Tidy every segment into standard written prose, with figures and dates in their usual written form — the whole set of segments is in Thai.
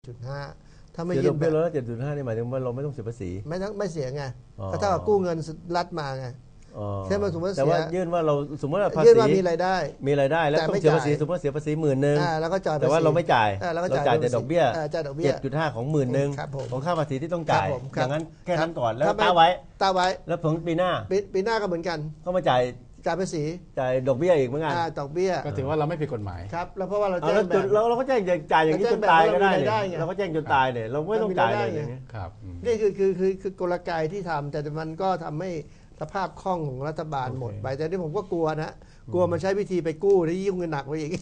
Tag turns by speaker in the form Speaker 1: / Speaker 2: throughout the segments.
Speaker 1: ถ้าไม่
Speaker 2: เสีย
Speaker 1: ยื่
Speaker 2: ดอกเบี้ย
Speaker 1: นแบบ
Speaker 2: ร้อยละ7.5นี่หมายถึงว่าเราไม่ต้องเสียภาษี
Speaker 1: ไม่เสียไง
Speaker 2: อ๋อ
Speaker 1: ก็เท่ากับกู้เงินรัฐมาไงแค่มาสมมติ
Speaker 2: แต่
Speaker 1: เสีย
Speaker 2: ว่ายื่นว่าเราสมมติว่าภาษี
Speaker 1: ยื่นว่ามีรายได้
Speaker 2: แล้วต้องเสียภาษีสมมติว่าเสียภาษี10,000
Speaker 1: แล้วก็จ่าย
Speaker 2: แต่ว่าเราไม่จ่าย
Speaker 1: แล้วก็
Speaker 2: เราจ่ายแต่ดอกเบี้ย
Speaker 1: จ่ายดอกเบี้ย
Speaker 2: 7.5ของ10,000
Speaker 1: ครับผม
Speaker 2: ของค่าภาษีที่ต้องจ่าย
Speaker 1: ครับผม
Speaker 2: อย่างนั้นแค่นั้นก่อนแล้ว
Speaker 1: ถ้าไม่
Speaker 2: ตาไว้แล้วผลปีหน้า
Speaker 1: ก็เหมือนกัน
Speaker 2: ก็มาจ่าย
Speaker 1: ภาษี
Speaker 2: จ่ายดอกเบี้ยอีกเหมือนกัน
Speaker 1: ดอกเบี้ย
Speaker 3: ก็ถือว่าเราไม่ผิดกฎหมาย
Speaker 1: ครับแล้วเพราะว่าเราแจ้งแบบ
Speaker 2: เราก็แจ้งจ่ายอย่างนี้จนตายก็ได้เนี่ยเราก็แจ้งจนตายเนี่ยเราไม่ต้องจ่ายเลยอย่างนี้
Speaker 3: ครับ
Speaker 1: นี่คือกลไกที่ทำแต่มันก็ทำให้สภาพคล่องของรัฐบาลหมดไปแต่ที่ผมก็กลัวนะกลัวมันใช้วิธีไปกู้ที่ยิ่งเงินหนักไปอีก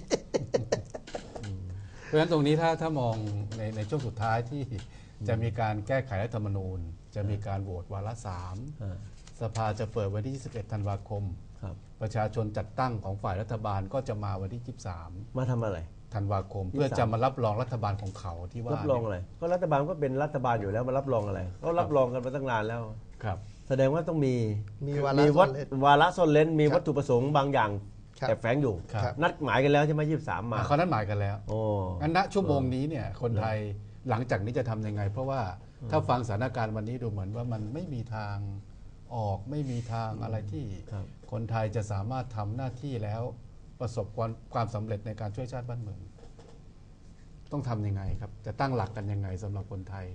Speaker 3: เพราะฉะนั้นตรงนี้ถ้ามองในช่วงสุดท้ายที่จะมีการแก้ไขรัฐธรรมนูญจะมีการโหวตวาระ3สภาจะเปิดวันที่21ธันวาคมประชาชนจัดตั้งของฝ่ายรัฐบาลก็จะมาวันที่23
Speaker 2: มาทำอะไร
Speaker 3: ธันวาคมเพื่อจะมารับรองรัฐบาลของเขาที่ว่า
Speaker 2: รับรองอะไรก็รัฐบาลก็เป็นรัฐบาลอยู่แล้วมารับรองอะไรก็รับรองกันมาตั้งนานแล้ว
Speaker 3: ครับ
Speaker 2: แสดงว่าต้องมี
Speaker 1: วาระ
Speaker 2: ซ่อนเร้นมีวัตถุประสงค์บางอย่างแอบแฝงอยู่นัดหมายกันแล้วใช่ไหม23มา
Speaker 3: เขานัดหมายกันแล้วงั้นณชั่วโมงนี้เนี่ยคนไทยหลังจากนี้จะทำยังไงเพราะว่าถ้าฟังสถานการณ์วันนี้ดูเหมือนว่ามันไม่มีทางออกไม่มีทางอะไรที่คนไทยจะสามารถทำหน้าที่แล้วประสบความสำเร็จในการช่วยชาติบ้านเมืองต้องทำยังไงครับจะตั้งหลักกันยังไงสำหรับคนไทย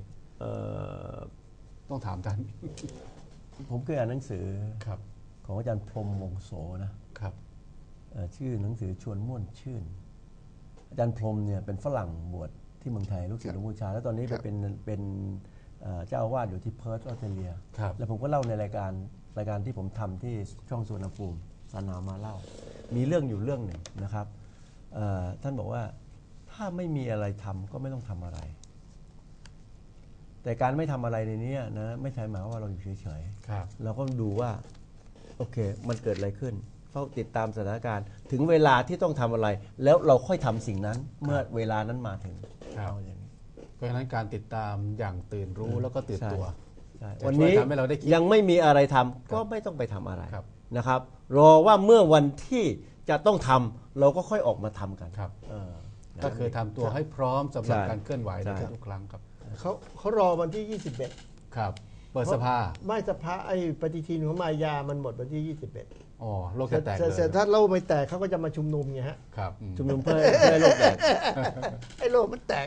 Speaker 3: ต้องถามท่าน
Speaker 2: ผมเคยอ่านหนังสือของอาจารย์พรหมวงโสนะครับชื่อหนังสือชวนม่วนชื่นอาจารย์พรหมเนี่ยเป็นฝรั่งบวชที่เมืองไทยลูกศิษย์หลวงปู่ชาแล้วตอนนี้ไปเป็นเจ้าอาวาสอยู่ที่เพิร์ธออสเตรเลียแล้วผมก็เล่าในรายการที่ผมทำที่ช่องสุวรรณภูมิสานามาเล่ามีเรื่องอยู่เรื่องหนึ่งนะครับท่านบอกว่าถ้าไม่มีอะไรทำก็ไม่ต้องทำอะไร แต่การไม่ทำอะไรในนี้นะไม่ใช่หมายว่าเราอยู่เฉยๆเราก็ดูว่าโอเคมันเกิดอะไรขึ้นเฝ้าติดตามสถานการณ์ถึงเวลาที่ต้องทำอะไร แล้วเราค่อยทำสิ่งนั้นเมื่อเวลานั้นมาถึงเอาอย่างนี้
Speaker 3: เพราะฉะนั้นการติดตามอย่างตื่นรู้แล้วก็ตื่นตัว
Speaker 2: วันนี้ยังไม่มีอะไรทำก็ไม่ต้องไปทำอะไรนะครับรอว่าเมื่อวันที่จะต้องทำเราก็ค่อยออกมาทำกัน
Speaker 3: ก็คือทำตัวให้พร้อมสำหรับการเคลื่อนไหวในทุกครั้งครับ
Speaker 1: เขารอวันที่21
Speaker 3: ครับเปิดสภา
Speaker 1: ไม่สภาไอ้ปฏิทินของมายามันหมดวันที่21
Speaker 3: โลกจะแตกเลย
Speaker 1: ถ้าโลกไม่แตกเขาก็จะมาชุมนุมไงฮะ
Speaker 3: ครับ
Speaker 2: ชุมนุมเพื่อให้โลกแตก
Speaker 1: ให้โลกมันแตก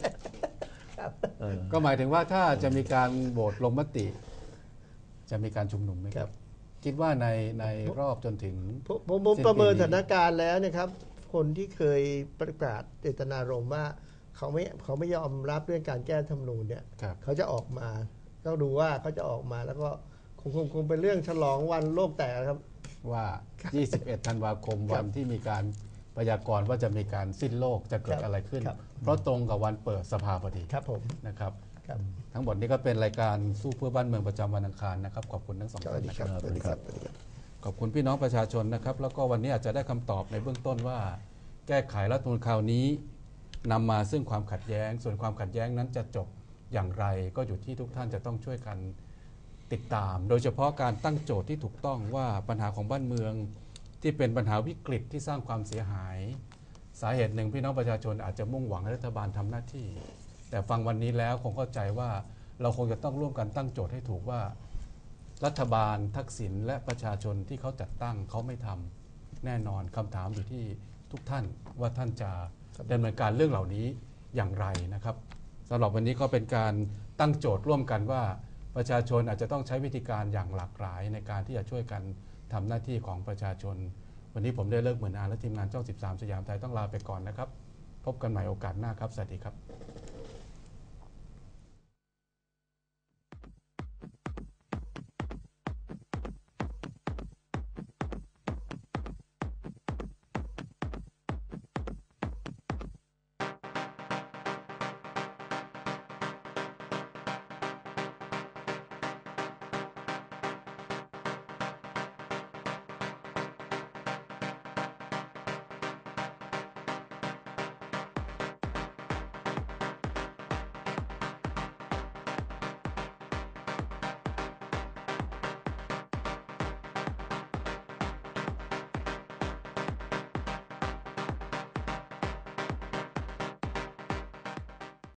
Speaker 3: ก็หมายถึงว่าถ้าจะมีการโหวตลงมติจะมีการชุมนุมไหมครับคิดว่าในรอบจนถึง
Speaker 1: ผมประเมินสถานการณ์แล้วนะครับคนที่เคยประกาศเจตนารมณ์ว่าเขาไม่ยอมรับเรื่องการแก้รัฐธรรมนูญเนี่ยเขาจะออกมาต้องดูว่าเขาจะออกมาแล้วก็คงเป็นเรื่องฉลองวันโลกแตกครับ
Speaker 3: ว่า21ธันวาคมวันที่มีการพยากรณ์ว่าจะมีการสิ้นโลกจะเกิดอะไรขึ้นเพราะตรงกับวันเปิดสภาพอดี
Speaker 1: ครับผม
Speaker 3: นะครับทั้งหมดนี้ก็เป็นรายการสู้เพื่อบ้านเมืองประจำวันอังคารนะครับขอบคุณทั้งสองท่านนะครับขอบคุณพี่น้องประชาชนนะครับแล้วก็วันนี้อาจจะได้คำตอบในเบื้องต้นว่าแก้ไขรัฐธรรมนูญคราวนี้นำมาซึ่งความขัดแย้งส่วนความขัดแย้งนั้นจะจบอย่างไรก็อยู่ที่ทุกท่านจะต้องช่วยกันติดตามโดยเฉพาะการตั้งโจทย์ที่ถูกต้องว่าปัญหาของบ้านเมืองที่เป็นปัญหาวิกฤตที่สร้างความเสียหายสาเหตุหนึ่งพี่น้องประชาชนอาจจะมุ่งหวังให้รัฐบาลทำหน้าที่แต่ฟังวันนี้แล้วคงเข้าใจว่าเราคงจะต้องร่วมกันตั้งโจทย์ให้ถูกว่ารัฐบาลทักษิณและประชาชนที่เขาจัดตั้งเขาไม่ทำแน่นอนคำถามอยู่ที่ทุกท่านว่าท่านจะดำเนินการเรื่องเหล่านี้อย่างไรนะครับสำหรับวันนี้ก็เป็นการตั้งโจทย์ร่วมกันว่าประชาชนอาจจะต้องใช้วิธีการอย่างหลากหลายในการที่จะช่วยกันทำหน้าที่ของประชาชนวันนี้ผมได้เลิกเหมือนอาและทีมงานช่อง13สยามไทยต้องลาไปก่อนนะครับพบกันใหม่โอกาสหน้าครับสวัสดีครับ